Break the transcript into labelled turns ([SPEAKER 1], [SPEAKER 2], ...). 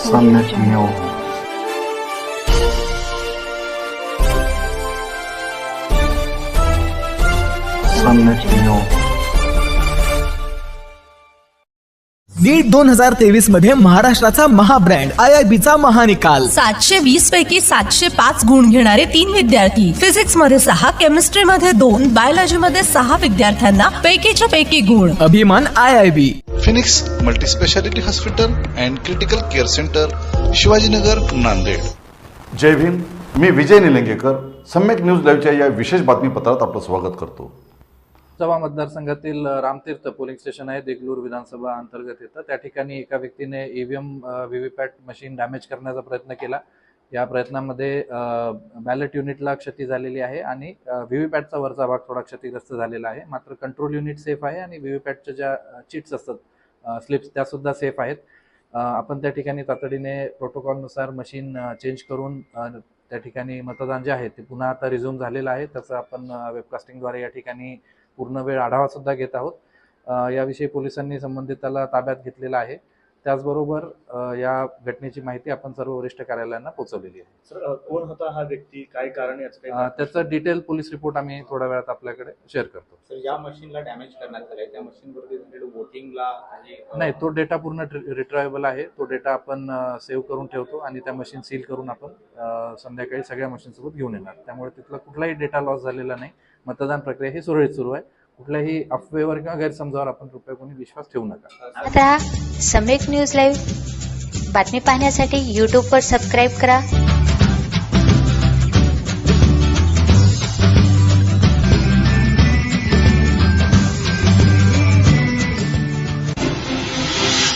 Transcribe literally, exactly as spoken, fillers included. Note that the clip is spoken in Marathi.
[SPEAKER 1] सम्यक न्यूज सम्यक न्यूज
[SPEAKER 2] नीट दोन हजार तेवीस मध्ये महाराष्ट्राचा महाब्रँड आय आय बी चा महानिकाल.
[SPEAKER 3] सातशे वीस पैकी सातशे पाच गुण घेणारे तीन विद्यार्थी, फिजिक्स मध्ये सहा, केमिस्ट्री मध्ये दोन, बायोलॉजी मध्ये सहा विद्यार्थ्यांना पैकीच्या पैकी गुण.
[SPEAKER 2] अभिमान I I B.
[SPEAKER 4] Phoenix multi speciality hospital and critical care centre, Shivajinagar, Nanded.
[SPEAKER 5] जय भीम. मी विजय निलंगेकर. सम्यक न्यूज लाईव्हच्या या विशेष बातमीपत्रात आपलं स्वागत करतो.
[SPEAKER 6] लोकसभा मतदारसंघातील रामतीर्थ पोलिंग स्टेशन आहे, देगलूर विधानसभा अंतर्गत येतं. त्या ठिकाणी एका व्यक्तीने ईव्हीएम व्हीव्हीपॅट मशीन डॅमेज करण्याचा प्रयत्न केला. या प्रयत्नामध्ये बॅलेट युनिटला क्षती झालेली आहे आणि व्हीव्हीपॅटचा वरचा भाग थोडा क्षतिग्रस्त झालेला आहे. मात्र कंट्रोल युनिट सेफ आहे आणि व्हीव्हीपॅटच्या ज्या चिट्स असतात, स्लिप्स, त्या सुद्धा सेफ आहेत. आपण त्या ठिकाणी तातडीने प्रोटोकॉलनुसार मशीन चेंज करून त्या ठिकाणी मतदान जे आहे ते पुन्हा आता रिझ्यूम झालेलं आहे. त्याचं आपण वेबकास्टिंगद्वारे या ठिकाणी पूर्ण वेळ आढावा सुद्धा घेत आहोत. याविषयी पोलिसांनी संबंधिताला ताब्यात घेतलेला आहे. त्याचबरोबर या घटनेची माहिती आपण सर्व वरिष्ठ कार्यालयांना पोहोचवलेली आहे.
[SPEAKER 7] सर, कोण होता हा व्यक्ती, काय कारण याचं काही?
[SPEAKER 6] त्याचं डिटेल पोलीस रिपोर्ट आम्ही थोड्या वेळात आपल्याकडे शेअर करतो.
[SPEAKER 7] सर, या मशीनला डॅमेज करण्यात आलंय, त्या मशीनवरती वोटिंगला
[SPEAKER 6] नाही, तो डेटा पूर्ण रिट्रायबल आहे. तो डेटा आपण सेव्ह करून ठेवतो आणि त्या मशीन सील करून आपण संध्याकाळी सगळ्या मशीनसोबत घेऊन येणार. त्यामुळे तिथला कुठलाही डेटा लॉस झालेला नाही. मतदान प्रक्रिया ही सुरळीत सुरू आहे. कुठल्याही अफवेवर किंवा गैरसमजावर आपण कृपया कोणी विश्वास ठेवू नका.
[SPEAKER 8] आता सम्यक न्यूज लाईव्ह बातमी पाहण्यासाठी यूट्यूबवर सबस्क्राईब करा.